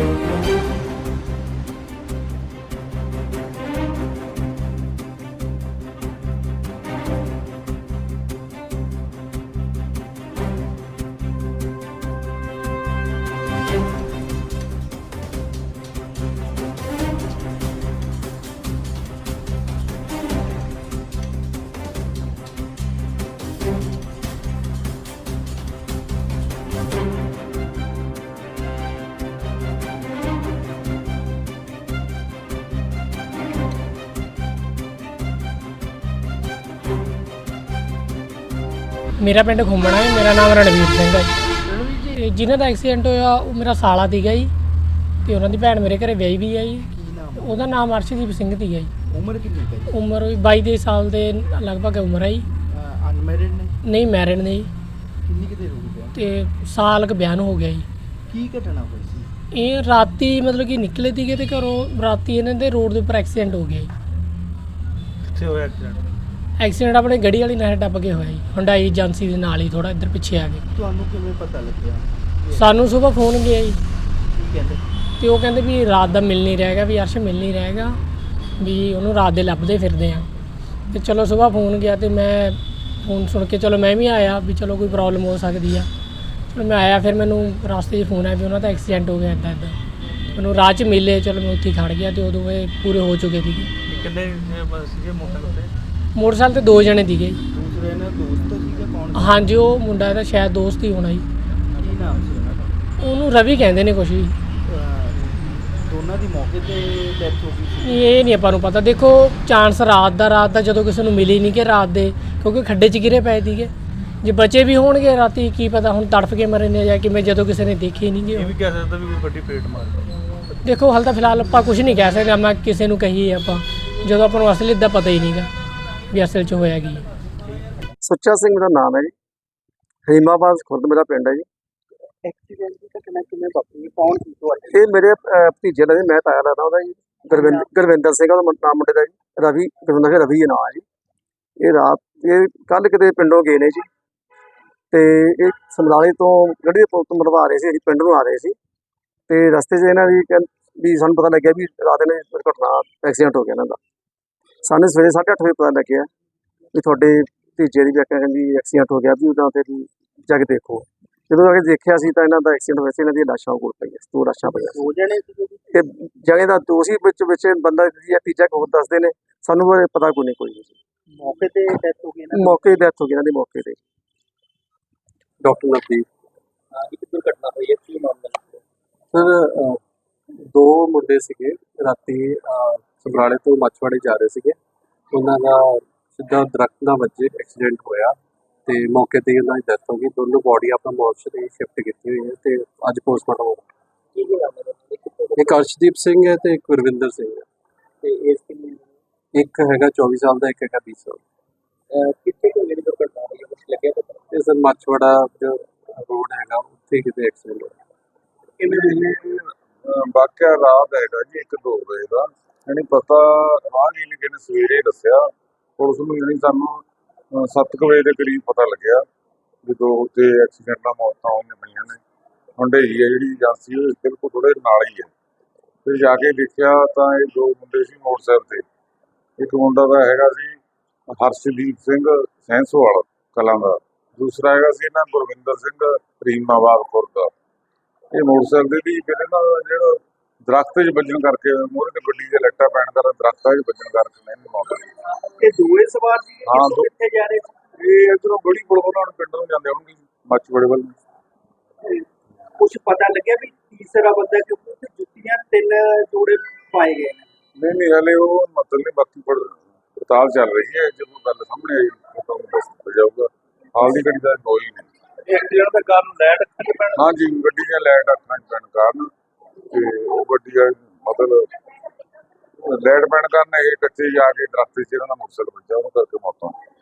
मेरा पिंड घुमना है। मेरा नाम रणवीर सिंह है जी। जिन्हों का एक्सीडेंट होया वो मेरा साला सीगा जी, तो उन्होंने भैन मेरे घर विआही भी है जी। ਉਹਦਾ ਨਾਮ ਅਰਸ਼ਦੀਪ ਸਿੰਘ ਸੀਗਾ ਜੀ। ਉਮਰ ਕਿੰਨੀ ਹੈ? ਉਮਰ 22 ਸਾਲ ਦੇ ਲਗਭਗ ਉਮਰ ਹੈ ਜੀ। ਅਨਮੈਰਿਡ ਨੇ? ਨਹੀਂ ਮੈਰਿਡ ਨੇ ਜੀ। ਕਿੰਨੀ ਕਿਤੇ ਹੋ ਗਈ? ਤੇ ਸਾਲ ਕੁ ਬਿਆਨ ਹੋ ਗਿਆ ਜੀ। ਕੀ ਘਟਨਾ ਹੋਈ ਸੀ? ਇਹ ਰਾਤੀ ਮਤਲਬ ਕਿ ਨਿਕਲੇ ਸੀਗੇ ਤੇ ਘਰੋਂ ਰਾਤੀ ਇਹਨਾਂ ਦੇ ਰੋਡ ਦੇ ਉੱਪਰ ਐਕਸੀਡੈਂਟ ਹੋ ਗਿਆ ਜੀ। ਕਿੱਥੇ ਹੋਇਆ ਐਕਸੀਡੈਂਟ? ਐਕਸੀਡੈਂਟ ਆਪਣੇ ਗੜੀ ਵਾਲੀ ਨਾਲ ਟੱਪ ਕੇ ਹੋਇਆ ਜੀ, ਹੁੰਡਾਈ ਏਜੰਸੀ ਦੇ ਨਾਲ ਹੀ ਥੋੜਾ ਇੱਧਰ ਪਿੱਛੇ ਆ ਗਏ। ਤੁਹਾਨੂੰ ਕਿਵੇਂ ਪਤਾ ਲੱਗਿਆ? ਸਾਨੂੰ ਸਵੇਰ ਫੋਨ ਗਿਆ ਜੀ, ਕੀ ਕਹਿੰਦੇ? ਤੇ ਉਹ ਕਹਿੰਦੇ ਵੀ ਰਾਤ ਦਾ ਮਿਲ ਨਹੀਂ ਰਹੇਗਾ, ਵੀ ਅਰਸ਼ ਮਿਲ ਨਹੀਂ ਰਹੇਗਾ, ਵੀ ਉਹਨੂੰ ਰਾਤ ਦੇ ਲੱਭਦੇ ਫਿਰਦੇ ਆ। ਤੇ ਚਲੋ ਸਵੇਰ ਫੋਨ ਗਿਆ ਤੇ ਮੈਂ ਫੋਨ ਸੁਣ ਕੇ ਚਲੋ ਮੈਂ ਵੀ ਆਇਆ ਵੀ ਚਲੋ ਕੋਈ ਪ੍ਰੋਬਲਮ ਹੋ ਸਕਦੀ ਆ। ਚਲੋ ਮੈਂ ਆਇਆ, ਫਿਰ ਮੈਨੂੰ ਰਸਤੇ 'ਚ ਫੋਨ ਆਇਆ ਵੀ ਉਹਨਾਂ ਦਾ ਐਕਸੀਡੈਂਟ ਹੋ ਗਿਆ ਇੱਦਾਂ ਇੱਦਾਂ। ਮੈਨੂੰ ਰਾਹ 'ਚ ਮਿਲੇ, ਚਲੋ ਮੈਂ ਉੱਥੇ ਖੜ ਗਿਆ ਤੇ ਉਦੋਂ ਇਹ ਪੂਰੇ ਹੋ ਚੁੱਕੇ ਸੀਗੇ। ਕਿੰਨੇ ਸੀਗੇ ਮੋਟਰਸਾਈਕਲ ਤੇ? ਮੋਟਰਸਾਈਕਲ ਤੇ 2 ਜਣੇ ਸੀਗੇ। ਦੂਸਰੇ ਨੇ ਦੋਸਤ ਸੀਗਾ ਕੌਣ? ਹਾਂਜੀ, ਉਹ ਮੁੰਡਾ ਇਹਦਾ ਸ਼ਾਇਦ ਦੋਸਤ ਹੀ ਹੋਣਾ ਜੀ। ਕੀ ਨਾਮ ਸੀ ਉਹਨਾਂ ਦਾ? ਉਹਨੂੰ ਰਵੀ ਕਹਿੰਦੇ ਨੇ ਕੁਛ ਵੀ। ਦੋਨਾਂ ਦੀ ਮੌਕੇ ਤੇ ਡੈਥ ਹੋ ਗਈ ਸੀ? ਇਹ ਨਹੀਂ ਆਪਾਂ ਨੂੰ ਪਤਾ। ਦੇਖੋ ਚਾਂਸ ਰਾਤ ਦਾ ਜਦੋਂ ਕਿਸੇ ਨੂੰ ਮਿਲੀ ਨਹੀਂ ਕਿ ਰਾਤ ਦੇ, ਕਿਉਂਕਿ ਖੱਡੇ 'ਚ ਗਿਰੇ ਪਏ ਸੀਗੇ। ਜੇ ਬਚੇ ਵੀ ਹੋਣਗੇ ਰਾਤੀ ਕੀ ਪਤਾ ਹੁਣ ਤੜਫ ਕੇ ਮਰੇ ਨੇ ਜਾਂ ਕਿਵੇਂ, ਜਦੋਂ ਕਿਸੇ ਨੇ ਦੇਖੇ ਨਹੀਂ ਗੇ। ਇਹ ਵੀ ਕਹਿ ਸਕਦਾ ਵੀ ਕੋਈ ਵੱਡੀ ਪੇਟ ਮਾਰ ਗਈ। ਦੇਖੋ ਹਾਲ ਤਾਂ ਫਿਲਹਾਲ ਆਪਾਂ ਕੁਝ ਨਹੀਂ ਕਹਿ ਸਕਦੇ। ਮੈਂ ਕਿਸੇ ਨੂੰ ਕਹੀਏ ਆਪਾਂ ਜਦੋਂ ਆਪਾਂ ਨੂੰ ਅਸਲੀ ਦਾ ਪਤਾ ਹੀ ਨਹੀਂਗਾ ਵੀ ਅਸਲ 'ਚ ਹੋਇਆ ਕੀ। ਸੁੱਚਾ ਸਿੰਘ ਮੇਰਾ ਨਾਮ ਹੈ ਜੀ। ਹਰੀਮਾਬਾਦ ਖੁਰਦ ਮੇਰਾ ਪਿੰਡ ਹੈ ਜੀ। ਐਕਸੀਡੈਂਟ ਦੀ ਘਟਨਾ ਕਿਵੇਂ ਵਾਪਰੀ? ਕੌਣ ਸੀ ਤੁਹਾਡੇ? ਇਹ ਮੇਰੇ ਭਤੀਜੇ ਦਾ ਜੀ, ਮੈਂ ਤਾਇਆ ਲੱਗਦਾ ਉਹਦਾ ਜੀ। ਗੁਰਵਿੰਦਰ ਸਿੰਘ ਉਹਦਾ ਨਾਮ ਮੁੰਡੇ ਦਾ ਜੀ। ਰਵੀ ਗੁਰਵਿੰਦਰ ਸਿੰਘ ਰਵੀ ਇਹ ਨਾਂ ਹੈ ਜੀ। ਇਹ ਕੱਲ੍ਹ ਕਿਤੇ ਪਿੰਡੋਂ ਗਏ ਨੇ ਜੀ, ਤੇ ਇਹ ਸਮਰਾਲੇ ਤੋਂ ਗੱਡੀ ਦੇ ਪੁਲ ਤੋਂ ਮਰਵਾ ਰਹੇ ਸੀ, ਅਸੀਂ ਪਿੰਡ ਨੂੰ ਆ ਰਹੇ ਸੀ। ਤੇ ਰਸਤੇ 'ਚ ਇਹਨਾਂ ਵੀ ਸਾਨੂੰ ਪਤਾ ਲੱਗਿਆ ਵੀ ਰਾਤ ਨੇ ਦੁਰਘਟਨਾ ਐਕਸੀਡੈਂਟ ਹੋ ਗਿਆ ਇਹਨਾਂ ਦਾ। ਸਾਨੂੰ ਸਵੇਰੇ 8:30 ਵਜੇ ਪਤਾ ਲੱਗਿਆ ਵੀ ਤੁਹਾਡੇ ਭਤੀਜੇ ਦੀ ਵੀ ਕਹਿੰਦੀ ਐਕਸੀਡੈਂਟ ਹੋ ਗਿਆ, ਵੀ ਉਹਦਾ ਤੇ ਵੀ ਜਾ ਕੇ ਦੇਖੋ। ਜਦੋਂ ਆ ਕੇ ਦੇਖਿਆ ਸੀ ਤਾਂ ਇਹਨਾਂ ਦਾ ਐਕਸੀਡੈਂਟ ਹੋਇਆ ਸੀ। ਇਹਨਾਂ ਦੀਆਂ ਲਾਸ਼ਾਂ ਕੋਲ ਪਈਆਂ, 2 ਲਾਸ਼ਾਂ ਪਈਆਂ। 2 ਜਣੇ ਸੀਗੇ ਜੀ? ਤੇ ਜਣੇ ਦਾ ਦੋਸ਼ੀ ਵਿੱਚ ਬੰਦਾ ਜਾਂ ਤੀਜਾ ਹੋਰ ਦੱਸਦੇ ਨੇ, ਸਾਨੂੰ ਬਾਰੇ ਪਤਾ ਕੋਈ ਨਹੀਂ। ਮੌਕੇ ਤੇ ਡੈਥ ਹੋ ਗਈ ਨਾ? ਮੌਕੇ ਦੀ ਡੈਥ ਹੋ ਗਈ ਇਹਨਾਂ ਦੀ ਮੌਕੇ ਤੇ। ਡਾਕਟਰ ਨਵਦੀਪ ਇੱਕ ਦੁਰਘਟਨਾ ਹੋਈ ਹੈ, ਕੀ ਮਾਮਲਾ? ਸਰ, 2 ਮੁੰਡੇ ਸੀਗੇ ਰਾਤੀ ਸਮਰਾਲੇ ਤੋਂ ਮੱਛਵਾੜੇ ਜਾ ਰਹੇ ਸੀਗੇ। ਉਹਨਾਂ ਦਾ ਸਿੱਧਾ ਦਰਖਤ ਨਾਲ ਵੱਜੇ ਐਕਸੀਡੈਂਟ ਹੋਇਆ ਤੇ ਮੌਕੇ ਤੇ ਉਹਨਾਂ ਦੀ ਡੈਥ ਹੋ ਗਈ। ਦੋਨੋਂ ਬੋਡੀ ਆਪਣਾ ਮੋਰਚਰੀ ਸ਼ਿਫਟ ਕੀਤੀ ਹੋਈ ਹੈ ਤੇ ਅੱਜ ਪੋਸਟਮਾਰਟਮ ਹੋਊਗਾ। ਕੀ ਨਾਮ ਹੈ? ਇੱਕ ਅਰਸ਼ਦੀਪ ਸਿੰਘ ਹੈ ਤੇ ਇੱਕ ਗੁਰਵਿੰਦਰ ਸਿੰਘ ਹੈ। ਤੇ ਏਜ ਕਿੰਨੀ ਹੈ? ਇੱਕ ਹੈਗਾ 24 ਸਾਲ ਦਾ, ਇੱਕ ਹੈਗਾ 20 ਸਾਲ। ਕਿੱਥੇ ਕੋਈ ਜਿਹੜੀ ਦੁਰਘਟਨਾ ਹੋਈ ਹੈ, ਕੁਝ ਲੱਗਿਆ ਪਤਾ? ਤੇ ਸਰ ਮੱਛਵਾੜਾ ਜੋ ਰੋਡ ਹੈਗਾ ਉੱਥੇ ਕਿਤੇ ਐਕਸੀਡੈਂਟ ਹੋਇਆ। ਵਾਕਿਆ ਰਾਤ ਹੈਗਾ ਜੀ 1-2 ਵਜੇ ਦਾ। ਯਾਨੀ ਪਤਾ ਰਾਹਗੀਰ ਨੇ ਕਿਨੇ ਸਵੇਰੇ ਦੱਸਿਆ ਪੁਲਿਸ ਨੂੰ, ਯਾਨੀ ਸਾਨੂੰ 7 ਵਜੇ ਦੇ ਕਰੀਬ ਪਤਾ ਲੱਗਿਆ ਵੀ 2 ਤੇ ਐਕਸੀਡੈਂਟ ਨਾਲ ਮੌਤਾਂ ਹੋਈਆਂ ਪਈਆਂ ਨੇ। ਹੁੰਡਈ ਹੈ ਜਿਹੜੀ ਏਜੰਸੀ, ਉਹ ਬਿਲਕੁਲ ਥੋੜੇ ਨਾਲ ਹੀ ਹੈ। ਫਿਰ ਜਾ ਕੇ ਦੇਖਿਆ ਤਾਂ ਇਹ 2 ਮੁੰਡੇ ਸੀ ਮੋਟਰਸਾਈਕਲ ਤੇ। ਇੱਕ ਮੁੰਡਾ ਦਾ ਹੈਗਾ ਸੀ ਹਰਸ਼ਦੀਪ ਸਿੰਘ ਸੈਂਸੋਵਾਲ ਕਲਾਂ ਦਾ, ਦੂਸਰਾ ਹੈਗਾ ਸੀ ਇਹਨਾਂ ਗੁਰਵਿੰਦਰ ਸਿੰਘ ਹਰੀਮਾਬਾਦ ਖੁਰਦ ਦਾ। ਇਹ ਮੋਟਰਸਾਈਕਲ ਦੀ ਕਿਤੇ ਨਾ ਜਿਹੜਾ ਦਰਖਤ 'ਚ ਵੱਜਣ ਕਰਕੇ, ਮੂਹਰੇ ਤੇ ਗੱਡੀ ਦੇ ਲਾਈਟਾਂ ਪੈਣ ਕਾਰਨ ਦਰਖਤਾਂ 'ਚ ਵੱਜਣ ਕਰਕੇ ਨਹੀਂ ਮੌਤ ਹੋਈ। ਇਹ ਦੋਵੇਂ ਸਵਾਰ ਸੀ? ਹਾਂ, ਕਿੱਥੇ ਜਾ ਰਹੇ ਸੀ? ਇਹ ਇੱਧਰੋਂ ਗੜੀ ਪੁਲ ਵੱਲੋਂ ਪਿੰਡ ਨੂੰ ਜਾਂਦੇ ਹੋਣਗੇ, ਮੱਛਵਾੜੇ ਵੱਲ। ਕੁਝ ਪਤਾ ਲੱਗਿਆ ਵੀ ਤੀਸਰਾ ਬੰਦਾ, ਕਿਉਂਕਿ ਉੱਥੇ ਜੁੱਤੀਆਂ 3 ਜੋੜੇ ਪਾਏ ਗਏ ਨੇ? ਨਹੀਂ ਹਲੇ ਉਹ ਮਤਲਬ ਨਹੀਂ, ਬਾਕੀ ਪੜਤਾਲ ਚੱਲ ਰਹੀ ਹੈ। ਜਦੋਂ ਗੱਲ ਸਾਹਮਣੇ ਆਈ ਤੁਹਾਨੂੰ ਦੱਸ ਦਿੱਤਾ ਜਾਊਗਾ। ਹਾਲ ਦੀ ਘੜੀ ਦਾ ਕੋਈ ਨਹੀਂ। ਐਕਸੀਡੈਂਟ ਦਾ ਕਾਰਨ ਲਾਈਟ ਅੱਖਾਂ 'ਚ ਪੈਣ? ਹਾਂਜੀ, ਗੱਡੀ ਦੀਆਂ ਲਾਈਟ ਅੱਖਾਂ 'ਚ ਪੈਣ ਕਾਰਨ, ਤੇ ਉਹ ਗੱਡੀ ਦਾ ਮਤਲਬ ਲਾਈਟ ਪੈਣ ਕਾਰਨ ਇਹ ਕੱਚੇ ਜਾ ਕੇ ਦਰਖਤ 'ਚ ਇਹਨਾਂ ਦਾ ਮੋਟਰਸਾਈਕਲ ਵੱਜਾ, ਉਹਨੂੰ ਕਰਕੇ ਮੌਤ ਹੋ ਗਈ।